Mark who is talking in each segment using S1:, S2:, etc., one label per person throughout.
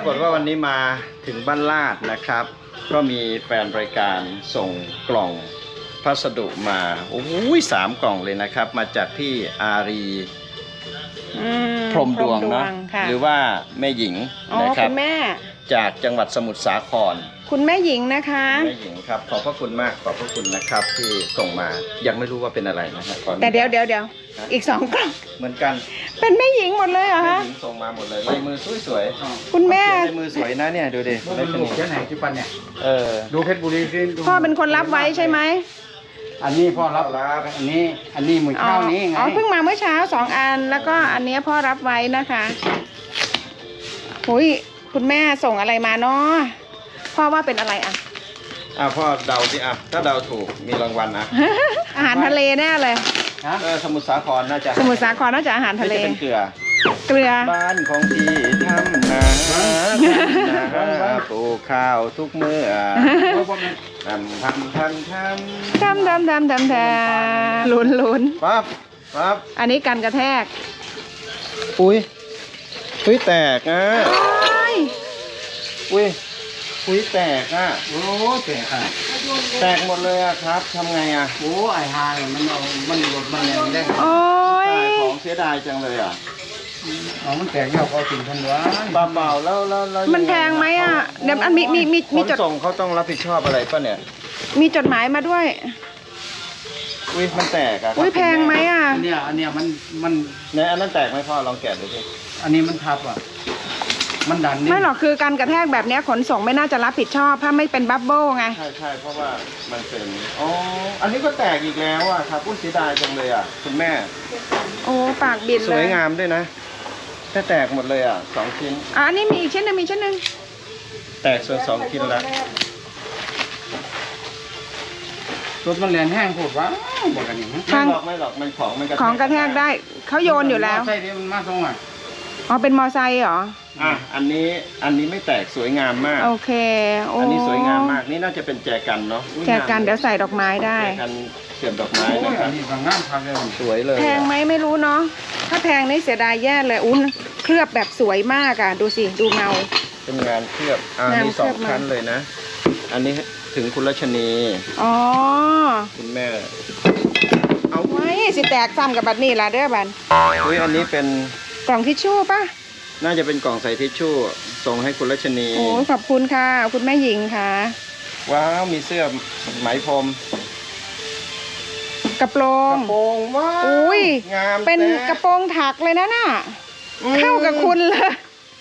S1: ากฏว่าวันนี้มาถึงบ้านลาดนะครับก็มีแฟนรายการส่งกล่องพัสดุมาโอ้ย3 กล่องเลยนะครับมาจากพี่อารีพรหมดวงเนาะหรือว่าแม่หญิงนะครับ
S2: คุณแม่
S1: จากจังหวัดสมุทรสาคร
S2: คุณแม่หญิงนะคะ
S1: แม่หญิงครับขอบพระคุณมากขอบพระคุณนะครับที่ส่งมายังไม่รู้ว่าเป็นอะไรนะครับ
S2: แต่เดี๋ยวอีก2 กล่อง
S1: เหมือนกัน
S2: เป็นแม่หญิงหมดเลยเหรอคะ
S1: แม่หญิงส่งมาหมดเลยลายมือสวย
S2: ๆคุณแม่
S1: ลายมือสวยนะเนี่ยดูดิ
S3: ไม่เป็นแค่ไหนจุปันเนี่ยดูเพชรบุรีสิ
S2: พ่อเป็นคนรับไว้ใช่ไหม
S3: อันนี้พ่อรับอันนี้มือเช้านี้ไง
S2: เพิ่งมาเมื่อเช้า2 อันแล้วก็อันนี้พ่อรับไว้นะคะคุณแม่ส่งอะไรมาเนาะพ่อว่าเป็นอะไรอ่ะ
S1: พ่อเดาสิถ้าเดาถูกมีรางวัลนะ
S2: อาหารทะเลแน่เลย
S1: สมุทรสาครน่าจะ
S2: สมุทรสาครน่าจะอาหารทะเล
S1: เป็นเกลือบ้านของพี่ทำนาปลูกข้าวทุกเมื่อทำ
S2: ลุ้น
S1: ปั๊บ
S2: อันนี้กันกระแทก
S1: อุ้ยแตกอ่ะอุ้ยแตกอ่ะ
S3: โอ้แตกอ่ะ
S1: แตกหมดเลยอ่ะครับทำไงอ่ะ
S3: โอ้ไอ้ฮามันหลุดมันแรงได้
S2: โอ้ย
S1: ของเสียดายจังเลยอ่ะ
S3: มันแตกยาวก็ถึงทันวะ
S1: เบาแล้ว
S2: มันแพงไหมอ่ะเดี๋ยวอันมี
S1: จดส่งเขาต้องรับผิดชอบอะไรป่ะเนี่ย
S2: มีจดหมายมาด้วย
S1: อุ้ยมันแตกอ่ะ
S2: แพงไหมอ่ะ
S3: อันเนี้ยมัน
S1: ในอันนั้นแตกไหมพ่อลองแกะดูสิ
S3: อันนี้มันทับอ่ะมันดัน
S2: ไม่หรอกคือการกระแทกแบบนี้ขนส่งไม่น่าจะรับผิดชอบถ้าไม่เป็นบับเบิ้ลไง
S1: ใช่เพราะว่ามันเป็นอันนี้ก็แตกอีกแล้วอ่ะครับเสียดายจังเลยอ่ะคุณแม่
S2: ปากบิดเลย
S1: สวยงามด้วยนะถ้าแตกหมดเลยอ่ะ2 ชิ้น
S2: อันนี้มีอีกชิ้นหนึ่ง
S1: แตกส่วน2 ชิ้นแล้ว
S3: รถมันแรงแห้งโผล่วะบอกกันอย่างนี้
S1: ไม่หรอกมัน
S2: ของกระแทกได้เขาโยนอยู่แล้ว
S3: ใช่ดิมันมาตรงอ่ะ
S2: เป็นมอไซค์เหรอ
S1: อันนี้ไม่แตกสวยงามมาก
S2: โอเค
S1: อันนี้สวยงามมากนี่น่าจะเป็นแจกันเนาะ
S2: แจกันเดี๋ยวใส่ดอกไม้ได้
S1: แจกันเสียบดอกไม้นะครับ
S3: อันนี้บางงามพักเลย
S1: สวยเลย
S2: แพงไหมไม่รู้เนาะถ้าแพงนี่เสียดายแย่เลยเคลือบแบบสวยมากอ่ะดูสิดูเงา
S1: เป็นงานเคลือบมี2 ชั้นเลยนะอันนี้ถึงคุณรัชนีคุณแม่
S2: เอาไว้สิแตกซ้ำกับบัตรนี่ละเด้อบัน
S1: อันนี้เป็น
S2: กล่องทิชชู่ป่ะ
S1: น่าจะเป็นกล่องใส่ทิชชู่ส่งให้คุณรัชนี
S2: ขอบคุณค่ะคุณแม่หญิงค่ะ
S1: ว้าวมีเสื้อไหมพรม
S2: กระโปรง
S1: ว้าวงาม
S2: เป็นกระโปรงถักเลยนะน่ะเข้ากับคุณเลย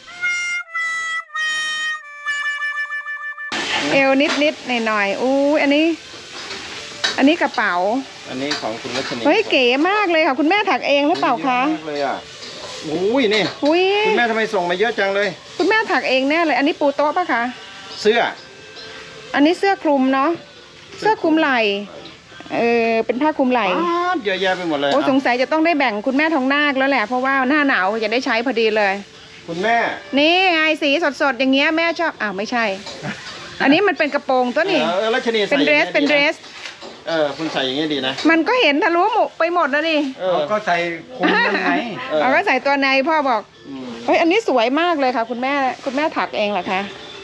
S2: เอวนิดหน่อยอันนี้กระเป๋า
S1: อันนี้ของคุณรัชนี
S2: เก๋มากเลยค่ะคุณแม่ถักเองหรือเปล่าคะ
S1: มากเลยอ่ะนี่คุณแม่ทำไมส่งมาเยอะจังเลย
S2: คุณแม่ถักเองแน่เลยอันนี้ปูโต๊ะป่ะคะ
S1: เสื้อ
S2: อันนี้เสื้อคลุมเนาะเสื้อคลุมไหล่เป็นผ้าคลุมไหล่
S1: เยอะแยะไปหมดเลย
S2: สงสัยจะต้องได้แบ่งคุณแม่ทองนาคแล้วแหละเพราะว่าหน้าหนาวจะได้ใช้พอดีเลย
S1: คุณแม่
S2: นี่ไงสีสดๆอย่างเงี้ยแม่ชอบไม่ใช่อันนี้มันเป็นกระโปรงตัวนี้เป็นเดรส
S1: คุณใส่อย่างนี้ดีนะ
S2: มันก็เห็นทะลุหมดไปหมดแล้วนี่
S3: ก็ใส่คุมยังไง
S2: ก็ใส่ตัวในพ่อบอกอันนี้สวยมากเลยค่ะคุณแม่ถักเองเหรอคะ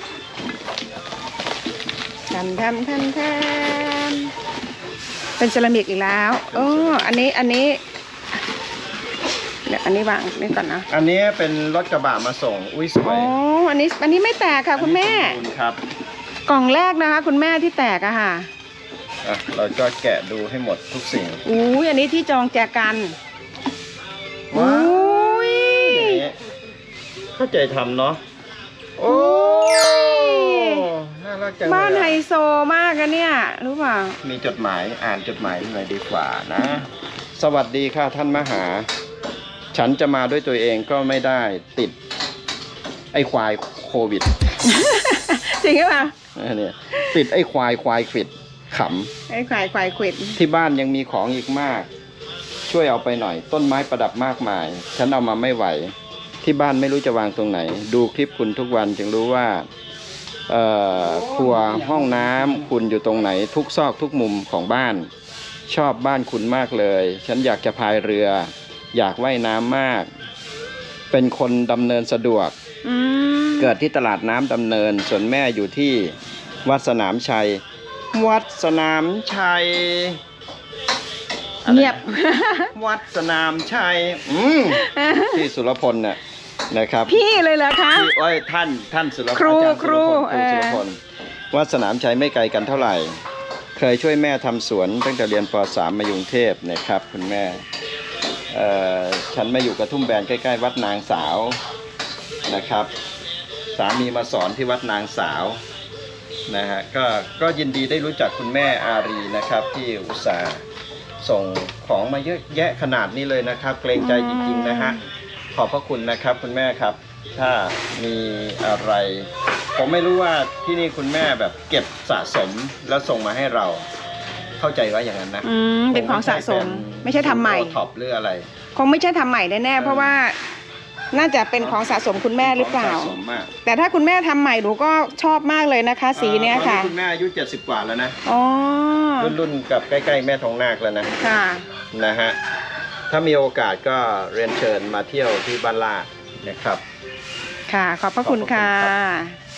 S2: ทำเป็นเซรามิกอีกแล้วอันนี้เดี๋ยวอันนี้วางนี่ก่อนนะ
S1: อันนี้เป็นรถกระบะมาส่งสวย
S2: อันนี้ไม่แตกค่ะคุณแม่
S1: ครับ
S2: กล่องแรกนะคะคุณแม่ที่แตกอะค่ะ
S1: เราก็แกะดูให้หมดทุกสิ่ง
S2: อันนี้ที่จองแจกัน
S1: เข้าใจทำเนาะน่ารักจัง
S2: บ้านไฮโซมากอะเนี่ยรู้ป่ะ
S1: มีจดหมายอ่านจดหมายหน่อยดีกว่านะสวัสดีค่ะท่านมหาฉันจะมาด้วยตัวเองก็ไม่ได้ติดไอ้ควายโควิด
S2: จริงป่ะ
S1: เนี่ยติดไอ้ควายควิดข
S2: ำไอ้ควายควิด
S1: ที่บ้านยังมีของอีกมากช่วยเอาไปหน่อยต้นไม้ประดับมากมายฉันเอามาไม่ไหวที่บ้านไม่รู้จะวางตรงไหนดูคลิปคุณทุกวันจึงรู้ว่าครัวห้องน้ำคุณอยู่ตรงไหนทุกซอกทุกมุมของบ้านชอบบ้านคุณมากเลยฉันอยากจะพายเรืออยากว่ายน้ำมากเป็นคนดำเนินสะดวก
S2: อืม
S1: เกิดที่ตลาดน้ำดำเนิน ส่วนแม่อยู่ที่วัดสนามชัย วัดสนามชัย
S2: เงียบ
S1: วัดสนามชัยที่สุรพลเนี่ยนะครับ
S2: พี่เลยเหรอคะ
S1: ที่ท่านสุรพล
S2: ครู
S1: อาจารย์
S2: ครู
S1: สุรพลวัดสนามชัยไม่ไกลกันเท่าไหร่ เคยช่วยแม่ทำสวนตั้งแต่เรียนป .3 มาอยู่กรุงเทพนะครับคุณแม่ฉันมาอยู่กระทุ่มแบนใกล้ๆวัดนางสาวนะครับสามีมาสอนที่วัดนางสาวนะฮะก็ยินดีได้รู้จักคุณแม่อารีนะครับที่อุตส่าห์ส่งของมาเยอะแยะขนาดนี้เลยนะครับเกรงใจจริงๆนะฮะขอบพระคุณนะครับคุณแม่ครับถ้ามีอะไรผมไม่รู้ว่าที่นี่คุณแม่แบบเก็บสะสมแล้วส่งมาให้เราเข้าใจว่าอย่างนั้นนะ
S2: เป็นของสะสมไม่ใช่ทำใหม่
S1: ท็อปหรืออะไร
S2: คงไม่ใช่ทำใหม่แน่ๆเพราะว่าน่าจะเป็นของสะสมคุณแม่หรือเปล่า
S1: ของสะสมมาก
S2: แต่ถ้าคุณแม่ทำใหม่หนูก็ชอบมากเลยนะคะ สีเนี้ยค่ะ
S1: ตอนนี้คุณแม่อายุ70 กว่าแล้วนะ
S2: อ๋อ
S1: รุ่นกับใกล้ๆแม่ทองนาคแล้วนะ
S2: ค่ะ
S1: นะฮะถ้ามีโอกาสก็เรียนเชิญมาเที่ยวที่บ้านลาดนะครับ
S2: ค่ะ ขอบพระคุณค่ะ
S1: ขอบพระคุณครับ